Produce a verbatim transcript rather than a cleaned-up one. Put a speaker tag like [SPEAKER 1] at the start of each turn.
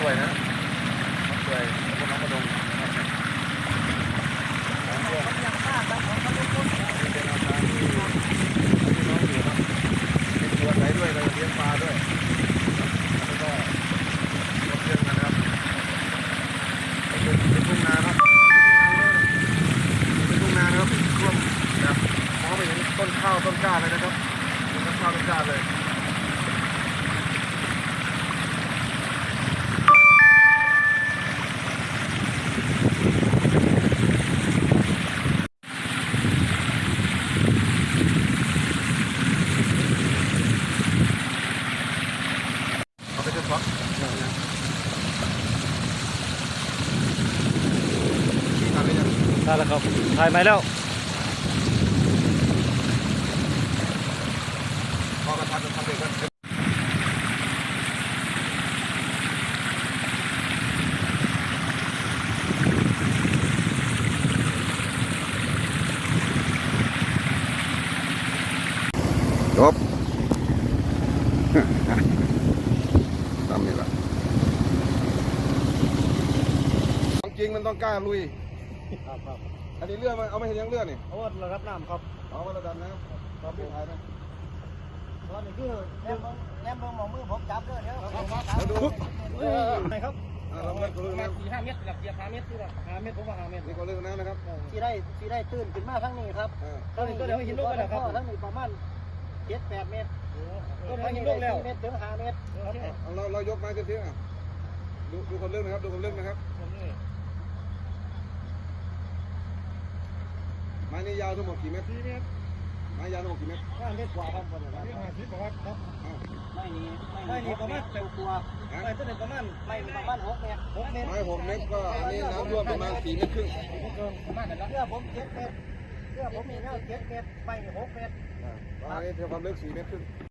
[SPEAKER 1] วยนะมะกล้วยพวกน้องกระดงเป็นอาคารที่พี่น้องอยู่ครับมีสวนไหนด้วยเราเลี้ยงปลาด้วยแล้วก็รถเลี้ยงนะครับเป็นทุ่งนาครับเป็นทุ่งนานะครับร่วมแบบมองไปเห็นต้นข้าวต้นกล้าเลยนะครับต้นข้าวต้นกล้าเลย
[SPEAKER 2] ได้แล้วครับถ่ายไหมแล้ว
[SPEAKER 1] พอกระทำจะทำเองกันจบทำนี่แหละจริงมันต้องกล้าลุย
[SPEAKER 2] ครับครับ
[SPEAKER 1] อันนี้เลือดมันเอาไม่เห็นยังเลือดนี่
[SPEAKER 2] เอาว่าระดับน้ำครับ
[SPEAKER 1] เอาไว้ระดับน้ำครับพี่ถ่ายไหม
[SPEAKER 2] ตอนนี้คือ
[SPEAKER 3] แนมแนมเบิ่งมองมือผมจับด้วยเดี๋ยว
[SPEAKER 1] แล้วดู
[SPEAKER 2] ไหนครับ
[SPEAKER 1] เราเลือกเลือกน้ำ
[SPEAKER 2] สี่ห้าเมตรหลักเกียร์ห้าเมตรคือห้าเมตรผมว่าห้าเมตร
[SPEAKER 1] นี่ก็เลือกน้ำนะครับ
[SPEAKER 3] ที่ได้ที่ได้ตื่นขึ้นมาทั้งนี้ครับ
[SPEAKER 2] ตอนนี้ก็เดี๋ยวหินลูกแล้วครับ
[SPEAKER 3] ทั้งนี้ประมาณเจ็ดแปดเมตร
[SPEAKER 2] ก็เดี๋ยวหินลูกแล้ว
[SPEAKER 3] เมตรถึงห้าเมตร
[SPEAKER 1] เราเรายกไม้เทียบๆดูดูคนเลือกนะครับดูคนเลือกนะครับไม้นี่ยาวทั้งหมดกี่เมตรสี่เมตรไม้ยาวทั้งหมดกี่เมตร
[SPEAKER 2] ห้าเมตรกว่าครับประมาณห้าสิบกว่าครับ
[SPEAKER 3] ไม่นี่
[SPEAKER 2] ไม่นี่ประมาณเต็ม
[SPEAKER 3] ตัว
[SPEAKER 2] ไม่ต้นประมาณ
[SPEAKER 3] ไม่ประมาณหกเมตร
[SPEAKER 2] หกเมตร
[SPEAKER 1] ไม้หกเมตรก็อันนี้น้ำท่วมประมาณสี่เมตรครึ่ง
[SPEAKER 2] ประมาณนั้น
[SPEAKER 3] เพื่อผมเจ็ดเมตรเพื่อผมมีแนวเจ็ดเมตรไม่หกเมตร
[SPEAKER 1] อันนี้เท่าความลึกสี่เมตรครึ่ง